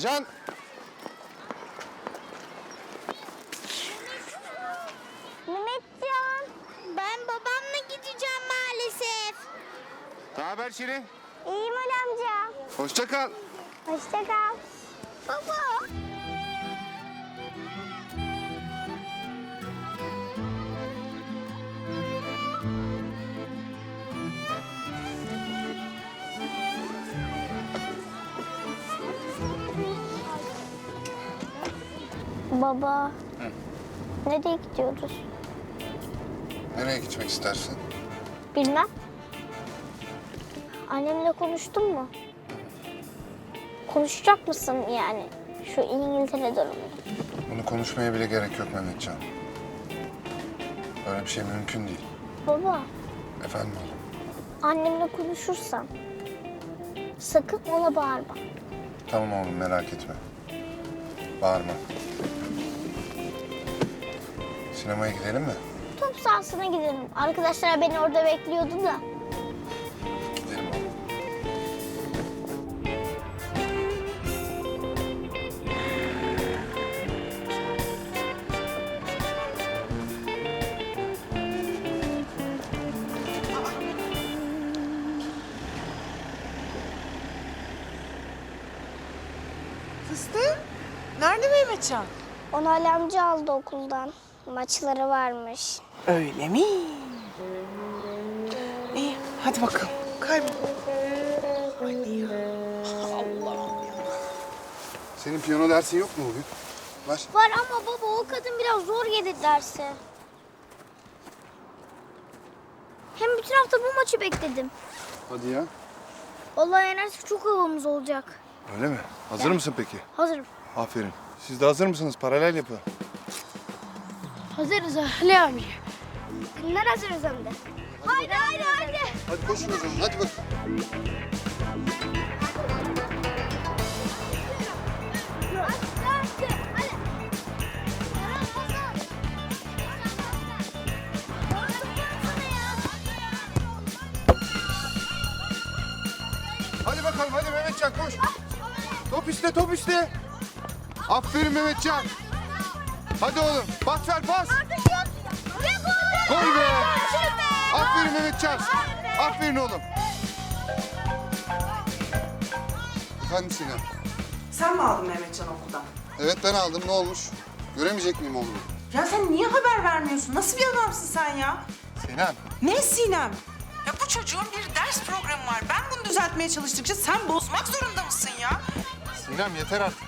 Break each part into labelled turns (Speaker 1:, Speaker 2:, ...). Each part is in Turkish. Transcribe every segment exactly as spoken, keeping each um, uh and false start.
Speaker 1: Ajan!
Speaker 2: Mehmetcan, ben babamla gideceğim maalesef.
Speaker 1: Ne haber Şirin?
Speaker 2: İyiyim Ali amca.
Speaker 1: Hoşça kal.
Speaker 2: Hoşça kal. Baba. Baba.
Speaker 1: Hı.
Speaker 2: Nereye gidiyoruz?
Speaker 1: Nereye gitmek istersin?
Speaker 2: Bilmem. Annemle konuştun mu? Konuşacak mısın yani şu İngiltere durumunu?
Speaker 1: Bunu konuşmaya bile gerek yok Mehmetcan. Böyle bir şey mümkün değil.
Speaker 2: Baba,
Speaker 1: Efendim oğlum?
Speaker 2: annemle konuşursan sakın ona bağırma.
Speaker 1: Tamam oğlum merak etme. Bağırma. Sinemaya gidelim mi?
Speaker 2: Top sahasına gidelim. Arkadaşlar beni orada bekliyordu da.
Speaker 1: Gidelim oğlum.
Speaker 3: Fıstık, nerede Mehmetcan?
Speaker 2: Onu Ali amca aldı okuldan. Maçları varmış.
Speaker 3: Öyle mi? İyi, hadi bakalım. Kaybol. Anne ya. Allah'ım ya.
Speaker 1: Senin piyano dersin yok mu bugün? Var.
Speaker 2: Var ama baba o kadın biraz zor gelir dersi. Hem bütün hafta bu maçı bekledim.
Speaker 1: Hadi ya.
Speaker 2: Vallahi yenersek çok havamız olacak.
Speaker 1: Öyle mi? Hazır mısın peki?
Speaker 2: Hazırım.
Speaker 1: Aferin. Siz de hazır mısınız? Paralel yapı.
Speaker 2: Hazırız Ali abi. Kimler hazırız hem de. Haydi haydi haydi.
Speaker 1: Hadi koşun o zaman. Hadi bak. Hadi bakalım. Hadi Mehmetcan koş. Top iste, top iste. Aferin Mehmetcan. Hadi oğlum. Pas ver, pas. Gol be. Aferin Mehmetcan. Aferin oğlum. Efendim Sinem.
Speaker 3: Sen mi aldın Mehmetcan okuldan?
Speaker 1: Evet ben aldım. Ne olmuş? Göremeyecek miyim oğlumu?
Speaker 3: Ya sen niye haber vermiyorsun? Nasıl bir adamsın sen ya?
Speaker 1: Sinem.
Speaker 3: Ne Sinem? Ya bu çocuğun bir ders programı var. Ben bunu düzeltmeye çalıştıkça sen bozmak zorunda mısın ya?
Speaker 1: Sinem yeter artık.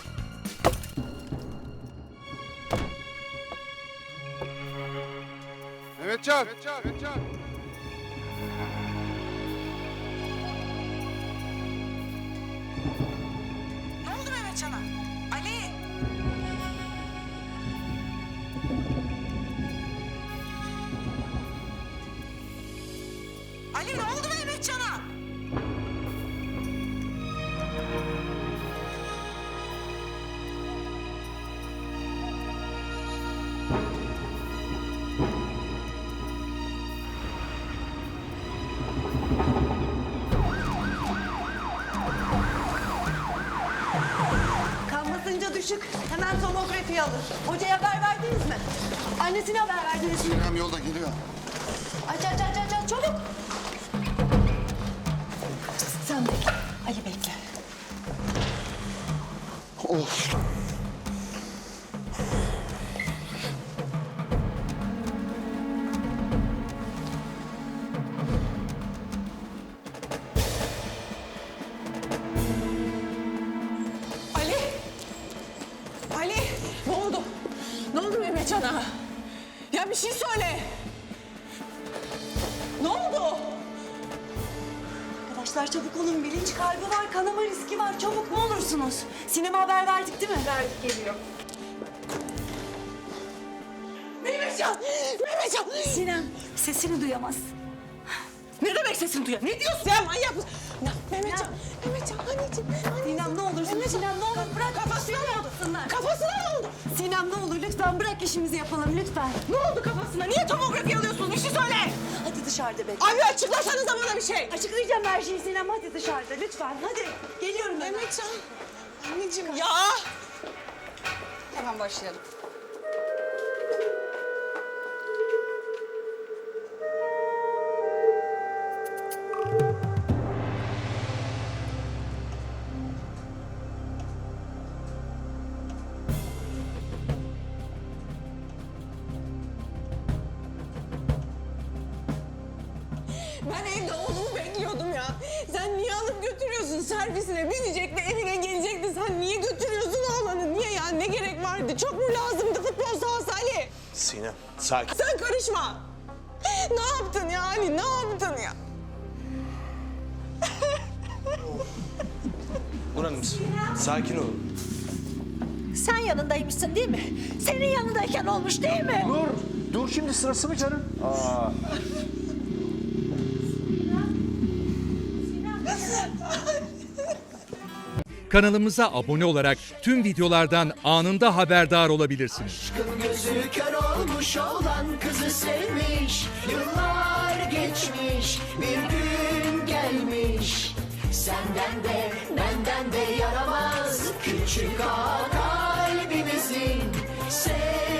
Speaker 1: Mehmetcan. Mehmetcan. Mehmetcan.
Speaker 3: Ne oldu Mehmetcan'a? Ali! Ali ne oldu Mehmetcan'a?
Speaker 4: Kan basıncı düşük. Hemen tomografi alın. Hocaya haber verdiniz mi? Annesine haber verdiniz mi?
Speaker 1: Sinem yolda geliyor.
Speaker 4: Aç aç aç aç aç çabuk. Sen bekle. Ali bekle.
Speaker 1: Of.
Speaker 3: Ali! Ali! Ne oldu? Ne oldu Mehmetcan'a? Ya bir şey söyle. Ne oldu?
Speaker 4: Arkadaşlar çabuk olun. Bilinç kaybı var. Kanama riski var. Çabuk ne olursunuz. Sinema haber verdik değil mi? Verdik geliyor.
Speaker 3: Mehmetcan! Mehmetcan!
Speaker 4: Sinem sesini duyamaz.
Speaker 3: Ne demek sesini duyuyor? Ne diyorsun ya manyak mısın? Ya, Mehmetcan! Mehmetcan anneciğim!
Speaker 4: Sinem ne olursun. Sinem ne olur bırak.
Speaker 3: Kafasına ne oldu?
Speaker 4: Yapsınlar.
Speaker 3: Kafasına ne oldu?
Speaker 4: Sinem ne olur lütfen bırak işimizi yapalım lütfen.
Speaker 3: Ne oldu kafasına? Niye tomografi alıyorsunuz? Bir şey söyle!
Speaker 4: Hadi dışarıda bekle.
Speaker 3: Abi açıklasanıza bana bir şey!
Speaker 4: Açıklayacağım her şeyi Sinem hadi dışarıda lütfen hadi. Geliyorum ben.
Speaker 3: Mehmetcan! Anneciğim ya.
Speaker 5: Hemen başlayalım.
Speaker 3: Ben evde oğlumu bekliyordum ya. Sen niye alıp götürüyorsun servisine? Binecekti, evine gelecekti. Sen niye götürüyorsun oğlanı? Niye ya? Ne gerek vardı? Çok mu lazımdı futbol sahası Ali?
Speaker 6: Sinem, sakin.
Speaker 3: Sen karışma. Ne yaptın ya Ali? Ne yaptın ya?
Speaker 6: Nur Hanım, sakin olun.
Speaker 7: Sen yanındaymışsın değil mi? Senin yanındayken olmuş değil mi?
Speaker 6: Dur, dur şimdi sırası mı canım? Aa.
Speaker 8: Kanalımıza abone olarak tüm videolardan anında haberdar olabilirsiniz.
Speaker 9: Aşkın gözü kör olmuş olan kızı sevmiş. Yıllar geçmiş, bir gün gelmiş. Senden de benden de yaramaz küçük ağa kalbimizin.